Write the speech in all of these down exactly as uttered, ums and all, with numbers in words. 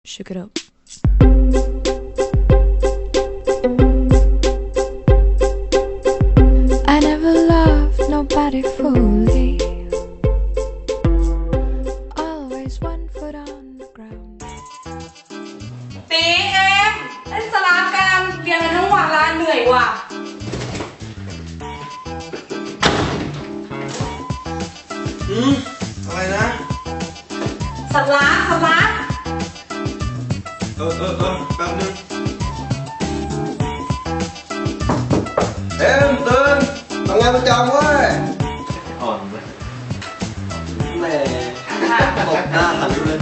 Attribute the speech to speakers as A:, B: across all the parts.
A: Shook it up. I never loved nobody fully. Always one foot on the ground.
B: ตีเอ็มเล่นสลามกันเรียนกันทั้งวันละเหนื่อยว่ะ
C: อืมอะไรนะ
B: สลามสลาม
C: เออเออเออแป๊บนึงเอ็มตื่นทำงานประจำเว้ยอ่อนเลยแหม่ตบหน้าหันเลย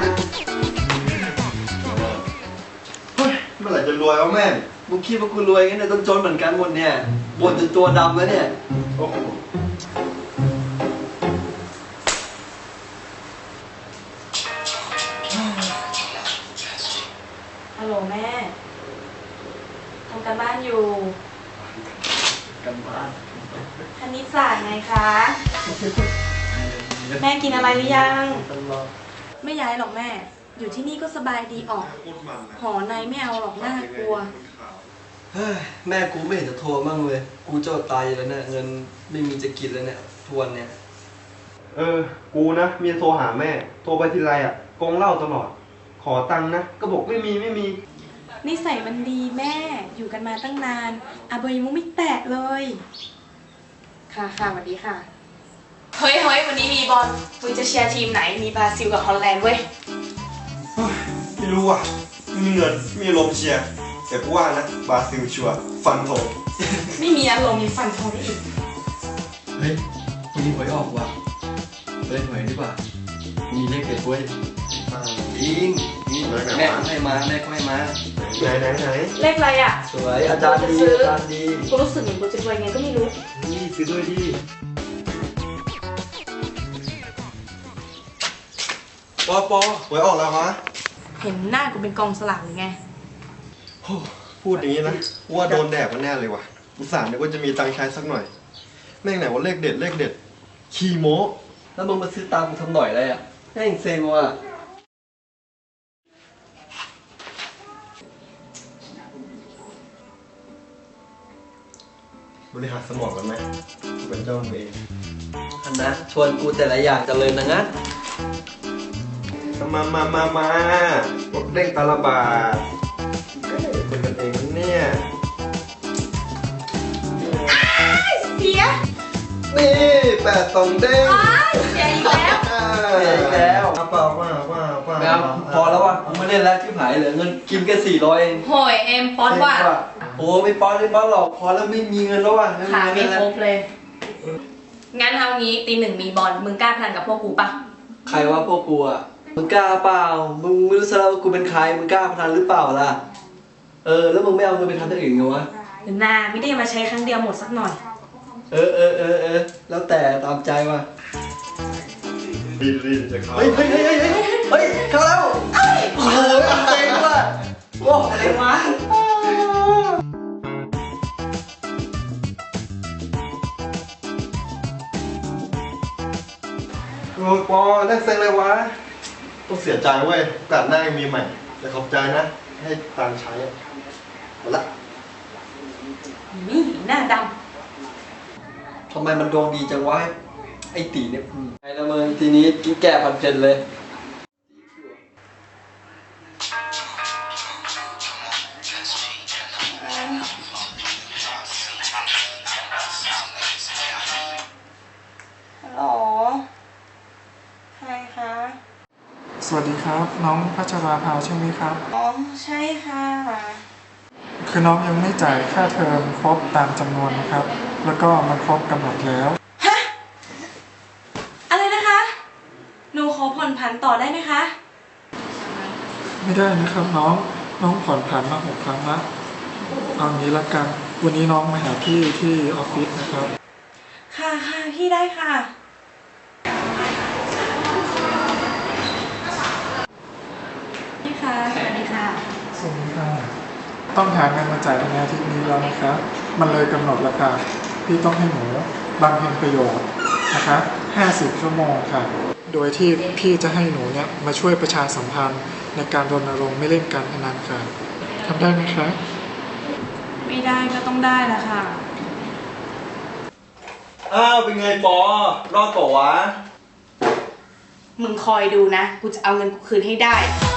C: เฮ้ยเมื่อไหร่จะรวยวะแม่มึงคิดว่ากูรวยงั้นเนี่ยต้องจนเหมือนกันหมดเนี่ยบ่นจนตัวดำแล้วเนี่ยโอ้โห
B: ฮัลโหลแม่ทำการบ้านอยู่
C: กันบ้าน
B: คณิตศาสตร์ไงคะแม่กินอะไรหรือยังไม่ย้ายหรอกแม่อยู่ที่นี่ก็สบายดีออกหอในไม่เอาหรอกน่ากลัว
C: เฮ้ยแม่กูไม่เห็นจะโทรมั่งเลยกูเจ้าตายแล้วเนี่ยเงินไม่มีจะกินแล้วเนี่ยทวนเนี่ยเออกูนะมีโทรหาแม่โทรไปทีไรอ่ะโกงเหล้าตลอดขอตังค์นะก็บอกไม่มีไม่มี
B: นิสัยมันดีแม่อยู่กันมาตั้งนานอาเบยมุกไม่แตะเลยค่ะค่ะสวัสดีค่ะเฮ้ยเฮ้ยวันนี้มีบอลมึงจะเชียร์ทีมไหนมีบราซิลกับฮอลแลนด์เว้ย
C: ไม่รู้อ่ะไม่มีเงินไม่มีลมเชียร์แต่กูว่านะบราซิลชัวร์ฟันธง
B: ไม่มีอารมณ์มีฟันธงได้อีก
C: เฮ้ยวันนี้หวยออกว่ะเล่นหวยดีกว่ามีเลขเด็ดเว้ยจริงนี่แม่ให้มาแม่ก็ให้มาไหนไหนไหน
B: เลขอะไรอ่ะ
C: สวยอาจารย์ดีอาจารย์ดี
B: กูรู้สึกเหมือนกูจะรวยไงก็ไม่รู้
C: นี่ซื้อด้วยดิปอปอหวยออกแล้วฮะ
B: เห็นหน้ากูเป็นกองสลากหรือไง
C: พูดอย่างนี้นะว่าโดนแดดมาแน่เลยว่ะอุตส่าห์นึกว่าจะมีตังค์ใช้สักหน่อยแม่งไหนว่าเลขเด็ดเลขเด็ดขี้โม้แล้วมึงมาซื้อตามกูทำหน่อยอะไรอ่ะแม่งเซ็งว่ะบริหารสมองกันไหมกูเป็นเจ้าของเองอันนะชวนกูแต่ละอย่างจะเลยนะงั้นมามามามาบดเด้งตาละบาทก็เลยคนกันเองเนี่ย
B: เสีย
C: นี่แปดสองเด้ง
B: เสียอีกแล้ว
C: เสียอีกแล้วเปล่าเปล่าเปล่าเปล่าพอแล้วว่ะกูไม่เล่นแล้วที่หายเหลือเงินกินแค่สี่ร้อยเอง
B: โหยเอ็มป๊อตว่ะ
C: โอ้ไม่ป๊อตไม่ป๊อตหรอกพอแล้วไม่มีเงินแล้วว่ะ
B: ขาไม่ครบเลยงั้นเอางี้ตีหนึ่งมีบอลมึงกล้าพนันกับพวกกูปะ
C: ใครว่าพวกกูอ่ะมึงกล้าเปล่ามึงไม่รู้ซะแล้วว่ากูเป็นใครมึงกล้าพนันหรือเปล่าล่ะเออแล้วมึงไม่เอาเงินไปทำอย่างอื่นไงวะ
B: หรือนาไม่ได้มาใช้ครั้งเดียวหมดสักหน่อย
C: เออเออเออเออแล้วแต่ตามใจว่ะรีบรีบจะเข้าเฮ้ยเฮ้ยเฮ้ยเฮ้ยเฮ้ยเข้าแล้วโอ้โหเจ๋งว่ะโอ้
B: อะไรวะ
C: โอ้ปอได้เซ็งเลยวะต้องเสียใจเว้ยโอกาสหน้ายังมีใหม่แต่ขอบใจนะให้ตังใช้หมดละ
B: นี่หน้าด
C: ำทำไมมันดวงดีจังวะไอตีเนี่ยไงละมึงทีนี้กินแก่พันเพนเลย
B: ฮัลโหลใครคะ
D: สวัสดีครับน้องพัชราภาใช่ไหมครับ
B: อ๋อใช่ค่ะ
D: คือน้องยังไม่จ่ายค่าเทอมครบตามจำนวนนะครับแล้วก็มันครบกำหนดแล้ว
B: ฮะอะไรนะคะหนูขอผ่อนผันต่อได้ไหมคะ
D: ไม่ได้นะครับน้องน้องผ่อนผันมาหกครั้งละเอางี้ละกันวันนี้น้องมาหาพี่ที่ออฟฟิศนะครับ
B: ค่ะค่ะพี่ได้ค่ะพี่คะสวัสดีค่ะ
D: สวัสดีค่ะต้องหาเงินมาจ่ายในอาทิตย์นี้แล้วนะครับมันเลยกำหนดราคาพี่ต้องให้หนูบำเพ็ญประโยชน์นะคะห้าสิบชั่วโมงค่ะโดยที่พี่จะให้หนูเนี่ยมาช่วยประชาสัมพันธ์ในการรณรงค์ไม่เล่นการพนันกันทำได้ไหมครับ
B: ไม่ได้ก็ต้องได้ละค่ะ
C: อ้าวเป็นไงปอรอดต่อวะ
B: มึงคอยดูนะ กูจะเอาเงินกูคืนให้ได้